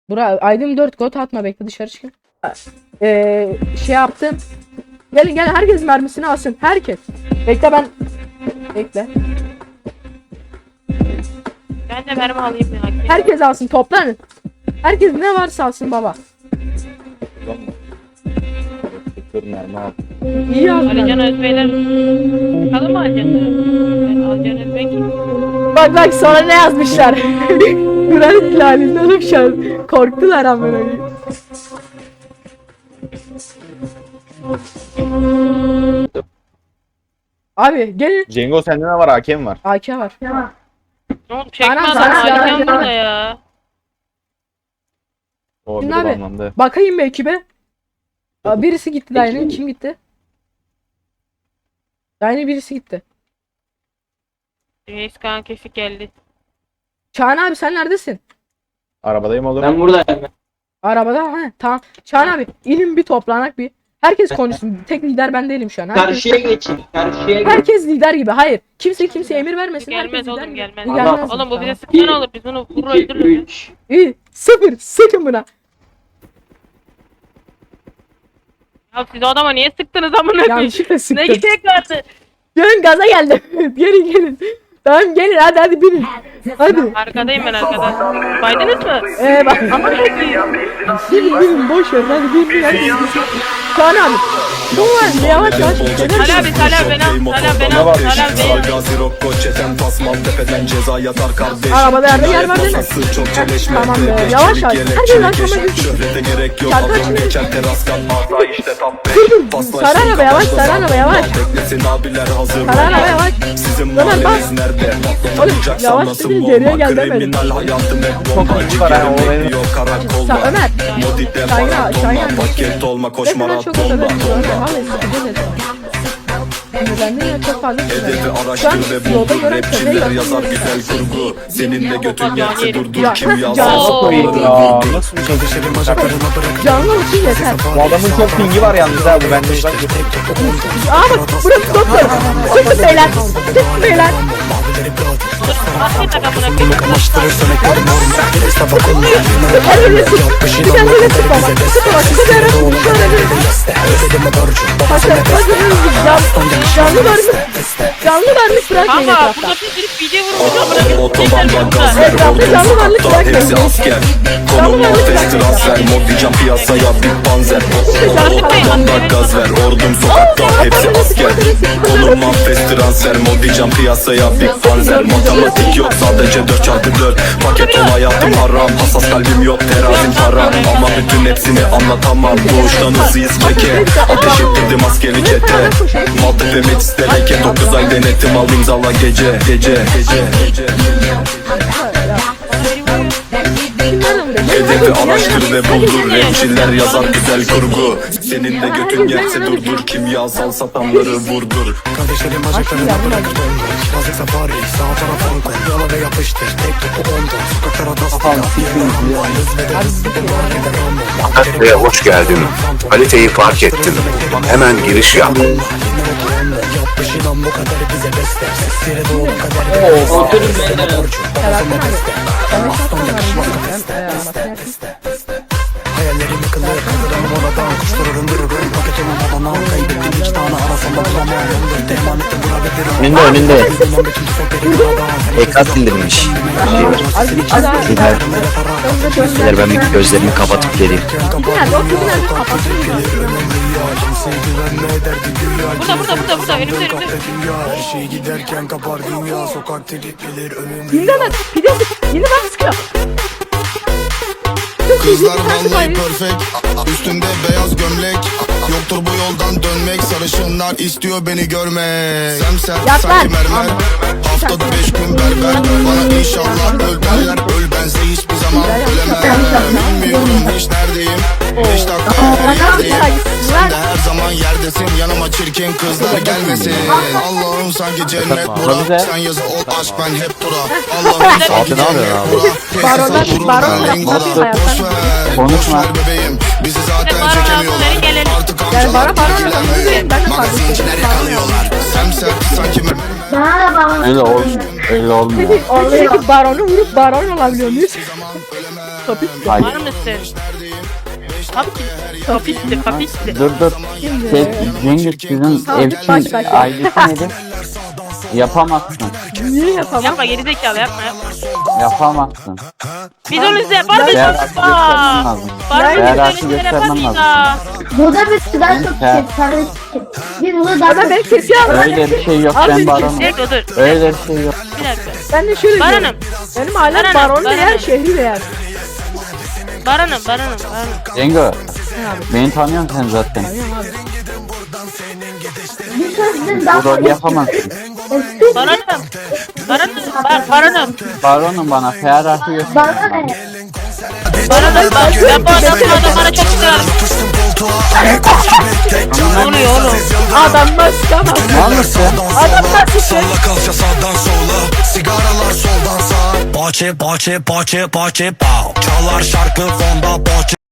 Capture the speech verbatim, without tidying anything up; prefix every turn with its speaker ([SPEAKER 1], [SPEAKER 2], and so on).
[SPEAKER 1] Bura Aydın dört got atma, bekle dışarı çıkın. Ee, şey yaptım. Gelin gelin, herkes mermisini alsın. Herkes. Bekle ben. Bekle.
[SPEAKER 2] Ben de mermi alayım ya.
[SPEAKER 1] Herkes alsın, toplanın. Herkes ne varsa alsın baba.
[SPEAKER 3] Mermi al.
[SPEAKER 1] İyi aldın.
[SPEAKER 2] Alican Özbeyler. Bakalım mı Alican? Ben Alican Özbey kim?
[SPEAKER 1] Bak bak sonra ne yazmışlar. Kur'an ihlalinde oğlum şu an. Korktular ama böyle. Abi gelin.
[SPEAKER 3] Cengo sende ne var? A K mi var?
[SPEAKER 1] A K var.
[SPEAKER 2] Ne oldu? Çekme
[SPEAKER 1] Anam,
[SPEAKER 2] adam.
[SPEAKER 1] sana
[SPEAKER 2] Alican
[SPEAKER 1] silah-
[SPEAKER 2] burada ya.
[SPEAKER 3] O
[SPEAKER 1] Şimdi
[SPEAKER 3] bir
[SPEAKER 1] abi,
[SPEAKER 3] anlamda.
[SPEAKER 1] Bakayım mı ekibe? Aa, birisi gitti daha yeni. Kim gitti? Daha yeni birisi gitti.
[SPEAKER 2] Reis Kaan Kesik geldi.
[SPEAKER 1] Çağan abi sen neredesin?
[SPEAKER 3] Arabadayım oğlum.
[SPEAKER 4] Ben buradayım.
[SPEAKER 1] Arabada ha tamam. Çağan abi inin bir toplanak bir. Herkes konuşsun. Tek lider ben değilim şu an. Herkes,
[SPEAKER 4] Karşıya geçin. Karşıya geçin.
[SPEAKER 1] herkes lider gibi. Hayır. Kimse kimse emir vermesin.
[SPEAKER 2] Gelmez
[SPEAKER 1] herkes lider
[SPEAKER 2] oğlum,
[SPEAKER 1] gibi.
[SPEAKER 2] gelmez.
[SPEAKER 1] Gelmez.
[SPEAKER 2] Oğlum bu bize
[SPEAKER 1] Tamam.
[SPEAKER 2] sıkıntı olur. Biz bunu vurur
[SPEAKER 4] iki,
[SPEAKER 2] öldürürüz.
[SPEAKER 4] üç.
[SPEAKER 1] İyi. Sıfır. Sıkın buna.
[SPEAKER 2] Ya siz o adama niye sıktınız amına koyayım?
[SPEAKER 1] Yanlışlıkla
[SPEAKER 2] Ne
[SPEAKER 1] sıktım.
[SPEAKER 2] gerek vardı?
[SPEAKER 1] Gelin gaza geldim. gelin gelin. Tamam gelin hadi hadi binin. Hadi.
[SPEAKER 2] Arkadayım ben arkada. Baydınız mı?
[SPEAKER 1] Ee bak ama binin binin boş ver hadi binin hadi. Çağan abi. Bu var yavaş yavaş.
[SPEAKER 2] Hala bir hala ben al. Hala ben al. Hala ben al.
[SPEAKER 1] Arabada yerde yer var değil mi? Tamam be yavaş yavaş. Herkes arkama gitsin. Şarkı açın. Sarı araba yavaş, sarı araba yavaş. Sarı araba yavaş. Ömer bak. Oğlum yavaş dedin geriye gel demedim.
[SPEAKER 3] Var ha o benim.
[SPEAKER 1] Sa Ömer. Şahin Şahin.
[SPEAKER 5] Paket olma koş
[SPEAKER 1] Mesela çok
[SPEAKER 5] maratonda.
[SPEAKER 1] özel. Vallahi sıkıcı dedi. Ben de ya çok fazla
[SPEAKER 5] Hedefi
[SPEAKER 1] Şu an
[SPEAKER 5] araştır ve
[SPEAKER 1] yolda
[SPEAKER 5] buldur.
[SPEAKER 1] gören
[SPEAKER 5] Rapçiler
[SPEAKER 1] köpeği
[SPEAKER 5] yazar
[SPEAKER 1] yaptım.
[SPEAKER 5] güzel kurgu. Senin de götün yerse durdur.
[SPEAKER 1] Ya,
[SPEAKER 5] Kim
[SPEAKER 1] heh,
[SPEAKER 5] yazar?
[SPEAKER 1] can-
[SPEAKER 2] Oo.
[SPEAKER 3] Ya nasıl bir şey?
[SPEAKER 1] Canlı için yeter.
[SPEAKER 3] Bu adamın çok pingi var yalnız ha bu bende uzak.
[SPEAKER 1] Aa bak burası doktor. Sıkın beyler. Sıkın beyler.
[SPEAKER 2] Afiyet takımına koyayım.
[SPEAKER 1] Sıkın öyle sık. Bir tane öyle sık baba. Sıkın bak. Sıkın öyle sık. Şöyle bir. Haşa. Canlı varmış. Canlı varmış bırakmayın
[SPEAKER 2] Kanka
[SPEAKER 1] etrafta.
[SPEAKER 2] burada bir sürü video vurmuş amına koyayım.
[SPEAKER 5] Otobandan gaz ver
[SPEAKER 1] Etrafta
[SPEAKER 5] ordum
[SPEAKER 1] canlı varlık
[SPEAKER 5] sokakta
[SPEAKER 1] bırakmayın.
[SPEAKER 5] hepsi asker. Konum manifest transfer mod diyeceğim piyasaya bir panzer. Otobandan gaz ver ordum sokakta hepsi asker. Konum manifest transfer mod diyeceğim piyasaya bir panzer. Matematik yok sadece dört çarpı dört. Paket ol hayatım haram, hassas kalbim yok terazim haram. Ama bütün hepsini anlatamam, doğuştan hızlıyız keke. Ateş ettirdim askeri çete. Maltepe Metis deleke, dokuz ay denetim al imzala gece gece gece gece. Hedefi araştır ve buldur. Rapçiler yazar güzel kurgu. Senin de götün yerse durdur. Kimyasal satanları vurdur.
[SPEAKER 6] Kardeşlerim bacaklarına bırakır bomba. Yazık safari sağ tarafa Hong Kong. Yala ve yapıştır tek topu onda. Sokaklara dastık hız ve de hız bir var eder Rambo.
[SPEAKER 7] Ve hoş geldin. Kaliteyi fark ettim. Hemen giriş yap.
[SPEAKER 6] Yapmışın am bu kadar bize beste. Sesleri doğru kader.
[SPEAKER 4] Oturun beyler.
[SPEAKER 6] Hayallerim yıkılır. Kaldıralım oradan. Kuşlar arındırırım. Paket olun babana. Kaybettim iki tane arasında bulamam. Yoldur teman ettim buna ve bir
[SPEAKER 7] Önünde önünde.
[SPEAKER 6] an.
[SPEAKER 7] Ekat indirmiş. Beyler ben bir gözlerimi kapatıp geleyim.
[SPEAKER 2] Burada burada burada burada önümde önümde.
[SPEAKER 6] Her şey giderken kapar dünya. Sokak tripleri önümde.
[SPEAKER 1] Yine bak. Bir de yine bak sıkıyor.
[SPEAKER 8] Kızlar vallahi perfect. Üstümde beyaz gömlek. Yoktur bu yoldan dönmek. Sarışınlar istiyor beni görmek. Semsert
[SPEAKER 1] Yap
[SPEAKER 8] sanki
[SPEAKER 1] lan.
[SPEAKER 8] mermer. Haftada beş gün berber. Bana inşallah öl derler. Öl bense hiçbir zaman ölemem. Bilmiyorum hiç neredeyim. Beş dakika her yerdeyim. Sen de her zaman yerdesin. Yanıma çirkin kızlar gelmesin. Allah'ım sanki cennet bura. Sen yazı ol aşk ben hep dura. Allah'ım sanki cennet bura.
[SPEAKER 1] Baronlar-
[SPEAKER 8] Tesis durur
[SPEAKER 1] baron
[SPEAKER 8] ben
[SPEAKER 1] yapma,
[SPEAKER 8] lingala.
[SPEAKER 1] hayattan.
[SPEAKER 8] Boş ver, boş ver bebeğim. Bizi zaten
[SPEAKER 2] Baron
[SPEAKER 8] çekemiyorlar.
[SPEAKER 2] altları gelelim.
[SPEAKER 8] Artık
[SPEAKER 1] Yani bana
[SPEAKER 8] amcalar
[SPEAKER 1] baron
[SPEAKER 8] ilgilenmeye.
[SPEAKER 1] yapalım. Ben de
[SPEAKER 8] Magazinciler yakalıyorlar. Semsert sanki mermer.
[SPEAKER 3] Öyle ol. Öyle olmuyor.
[SPEAKER 1] Oradaki baronu vurup baron olabiliyor muyuz?
[SPEAKER 8] Zaman ölemem.
[SPEAKER 1] Kapit.
[SPEAKER 9] Hayır.
[SPEAKER 2] Var mısın? Kapisti. Kapisti. Kapisti.
[SPEAKER 9] Dur dur. Şey, Cengiz sizin
[SPEAKER 1] Tamam,
[SPEAKER 9] ev
[SPEAKER 1] baş
[SPEAKER 9] için
[SPEAKER 1] baş.
[SPEAKER 9] ailesi nedir? Yapamazsın.
[SPEAKER 1] Niye yapamam?
[SPEAKER 2] Yapma gerizekalı yapma yapma.
[SPEAKER 9] Yapamazsın.
[SPEAKER 2] Biz onu size yapar mıyız?
[SPEAKER 9] Değer hakkı göstermen lazım.
[SPEAKER 2] Var
[SPEAKER 9] Değer
[SPEAKER 2] mı?
[SPEAKER 9] hakkı
[SPEAKER 2] Biz öyle yapar
[SPEAKER 9] göstermen
[SPEAKER 2] mıyız?
[SPEAKER 9] lazım.
[SPEAKER 10] Burada bir daha çok
[SPEAKER 9] Ha.
[SPEAKER 10] şey sarı Biz burada daha
[SPEAKER 1] Adam beni kesiyor ama.
[SPEAKER 9] Öyle bir şey yok
[SPEAKER 1] Al
[SPEAKER 9] ben
[SPEAKER 1] beni
[SPEAKER 9] baronum.
[SPEAKER 2] Dur dur dur.
[SPEAKER 9] Öyle bir şey yok.
[SPEAKER 2] Bir dakika.
[SPEAKER 1] Ben de şöyle
[SPEAKER 2] Baranım.
[SPEAKER 1] diyorum. Benim ailem
[SPEAKER 2] Baranım,
[SPEAKER 1] baron
[SPEAKER 2] baranım.
[SPEAKER 1] değer, şehri değer.
[SPEAKER 2] Baranım baranım baranım.
[SPEAKER 9] Cengo. Beni tanıyorsun sen zaten.
[SPEAKER 10] bir sözden daha
[SPEAKER 9] Bu rolü yapamazsın.
[SPEAKER 2] Baranım. Baranım. Bar baranım.
[SPEAKER 9] Baronum bana değer hakkı göster.
[SPEAKER 10] bana ne?
[SPEAKER 2] Baranım. Bak ben bu adamın adamlara çok sıkıyorum. Ne oluyor oğlum?
[SPEAKER 1] Adam maskamaz.
[SPEAKER 9] Ne olmuş ya?
[SPEAKER 1] Adam maskamaz.
[SPEAKER 8] Salla kalça sağdan sola, sigaralar soldan sağa. Bahçe bahçe bahçe bahçe pow. Çalar şarkı fonda bahçe.